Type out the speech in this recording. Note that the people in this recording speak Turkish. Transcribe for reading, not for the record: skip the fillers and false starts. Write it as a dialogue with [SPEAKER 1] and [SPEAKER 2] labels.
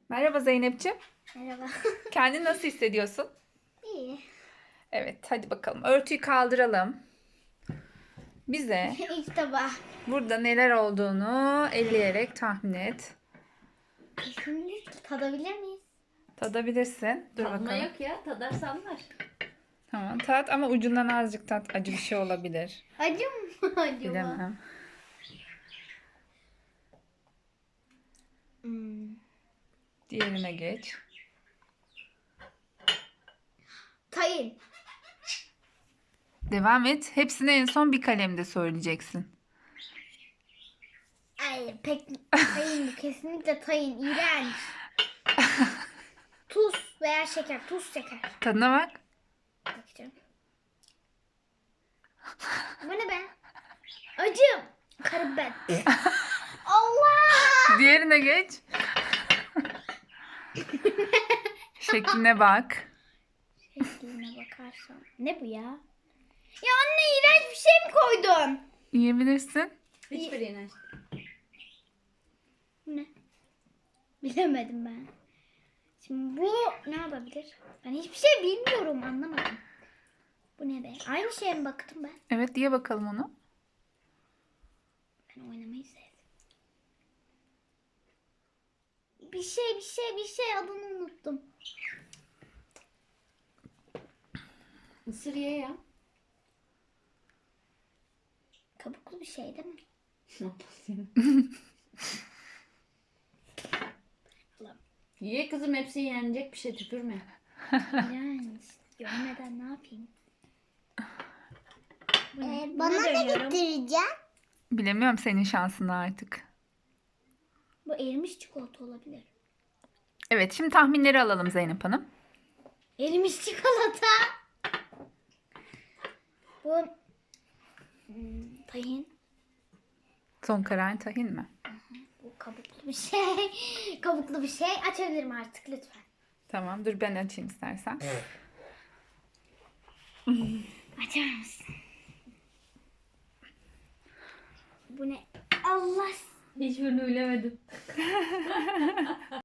[SPEAKER 1] Merhaba Zeynep'ciğim.
[SPEAKER 2] Merhaba.
[SPEAKER 1] Kendini nasıl hissediyorsun?
[SPEAKER 2] İyi.
[SPEAKER 1] Evet, hadi bakalım. Örtüyü kaldıralım. Bize
[SPEAKER 2] İlk tabağı.
[SPEAKER 1] burada neler olduğunu elleyerek tahmin et.
[SPEAKER 2] Kesinlikle tadabilir miyiz?
[SPEAKER 1] Tadabilirsin. Dur
[SPEAKER 3] Tadma
[SPEAKER 1] bakalım.
[SPEAKER 3] yok ya. Tadarsan var.
[SPEAKER 1] Tamam, tat ama ucundan azıcık tat. Acı bir şey olabilir.
[SPEAKER 2] Acı mı acaba?
[SPEAKER 1] Bilemem.
[SPEAKER 2] Hmm.
[SPEAKER 1] Diğerine geç.
[SPEAKER 2] Tayin.
[SPEAKER 1] Devam et. Hepsini en son bir kalemde söyleyeceksin.
[SPEAKER 2] Ay pek tayin bu. Kesinlikle tayin. İğrenç. Tuz veya şeker. Tuz şeker.
[SPEAKER 1] Tadına bak.
[SPEAKER 2] Bakacağım. Bu ne be? Acım. Karabiber. Allah!
[SPEAKER 1] Diğerine geç. Şekline bak.
[SPEAKER 2] Şekline bakarsam. Ne bu ya? Ya anne iğrenç bir şey mi koydun?
[SPEAKER 1] Yiyebilirsin.
[SPEAKER 3] Hiçbirine.
[SPEAKER 2] Bu ne? Bilemedim ben. Şimdi bu ne yapabilir? Ben hiçbir şey bilmiyorum, anlamadım. Bu ne be? Aynı şeye mi baktım ben?
[SPEAKER 1] Evet, diye bakalım onu.
[SPEAKER 2] Ben oynamayı sevdim. Bir şey adını unuttum.
[SPEAKER 3] Mısır ye ya.
[SPEAKER 2] Kabuklu bir şey değil mi?
[SPEAKER 3] Ye kızım, hepsi yenecek bir şey, tükürme.
[SPEAKER 2] İğrenç. Görmeden ne yapayım? Bu ne? Buna
[SPEAKER 4] Bana da
[SPEAKER 2] dönüyorum.
[SPEAKER 4] getireceksin.
[SPEAKER 1] Bilemiyorum senin şansını artık.
[SPEAKER 2] Bu erimiş çikolata olabilir.
[SPEAKER 1] Evet, şimdi tahminleri alalım Zeynep Hanım.
[SPEAKER 2] Erimiş çikolata. Bu tahin.
[SPEAKER 1] Son kararın tahin mi?
[SPEAKER 2] Bu kabuklu bir şey. Kabuklu bir şey. Açabilirim artık lütfen.
[SPEAKER 1] Tamam, dur ben açayım istersen.
[SPEAKER 2] Açar mısın? Bu ne? Allah.
[SPEAKER 3] Hiçbirini bilemedim.